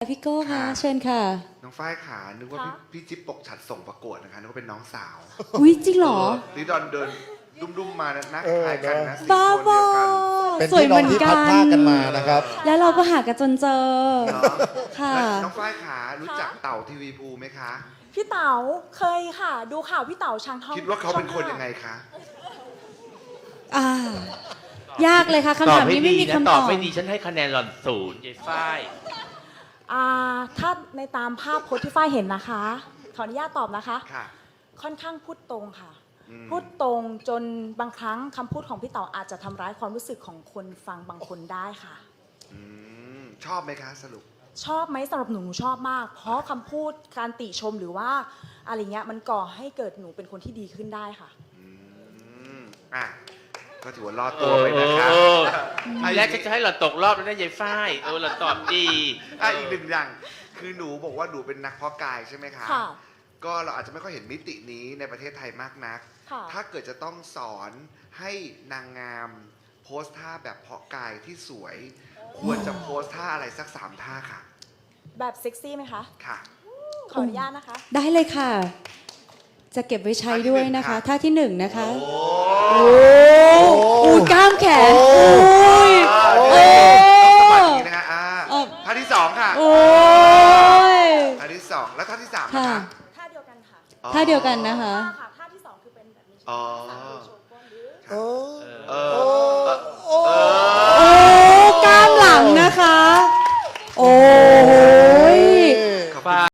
พี่โก้ค่ะเชิญค่ะน้องฝ้ายขานึกว่าพี่จิ๊บปกฉัดส่งประกวดนะคะนึกว่าเป็นน้องสาวอุ้ยจริงเหรอนี่ดอนเดินดุ้มๆมานะคล้ายกันนะสีบ้าโทนบเดียวกันเป็นพี่น้องที่พัดภาคกันมานะครับแล้วเราก็หากันจนเจอเนาะค่ะแล้วน้องฝ้ายขารู้จักเต่าทีวีภูไหมคะพี่เต๋าเคยค่ะดูข่าวพี่เต๋าช้างทองคิดว่าเขาเป็นคนยังไงคะยากเลยค่ะคำถามนี้ไม่มีคำตตออบบ ไม่ดีฉันให้คะแนนหล่อน0ยายฝ้ายถ้าในตามภาพโพสต์ที่ฝ้ายเห็นนะคะขออนุญาตตอบนะคะค่ะค่อนข้างพูดตรงค่ะอืมพูดตรงจนบางครั้งคำพูดของพี่เต๋าอาจจะทำร้ายความรู้สึกของคนฟังบางคนได้ค่ะชอบไหมคะสรุปชอบไหมสำหรับหนูชอบมาก เพราะคำพูดการติชมหรือว่าอะไรเงี้ยมันก่อให้เกิดหนูเป็นคนที่ดีขึ้นได้ค่ะอ่ะก็ถือว่ารอดตัวไปนะคะทีแรกฉันจะให้หล่อนตกรอบแล้วนะยายฝ้ายหล่อนตอบดีอีกหนึ่งอย่างคือหนูบอกว่าหนูเป็นนักเพาะกายใช่ไหมคะค่ะก็เราอาจจะไม่ค่อยเห็นมิตินี้ในประเทศไทยมากนักค่ะถ้าเกิดจะต้องสอนให้นางงามโพสท่าแบบเพาะกายที่สวย ควรจะโพสท่าอะไรสัก3 ท่าค่ะแบบเซ็กซี่ไหมคะค่ะขออนุญาตนะคะได้เลยค่ะ จะเก็บไว้ใช้ด้วยนะคะท่าที่1นะคะอูกล้ามแขนอุ้ยโอ้สมัครนี้นะคะท่าที่2ค่ะโอ้ยท่าที่2แล้วท่าที่3นะค่ะคะท่าเดียวกันค่ะท่าเดียวกันนะคะท่าที่ 2 คือเป็นแบบนี้อ๋อโชว์ก้นหรือโอ้โอ้กล้ามหลังนะคะ โอ้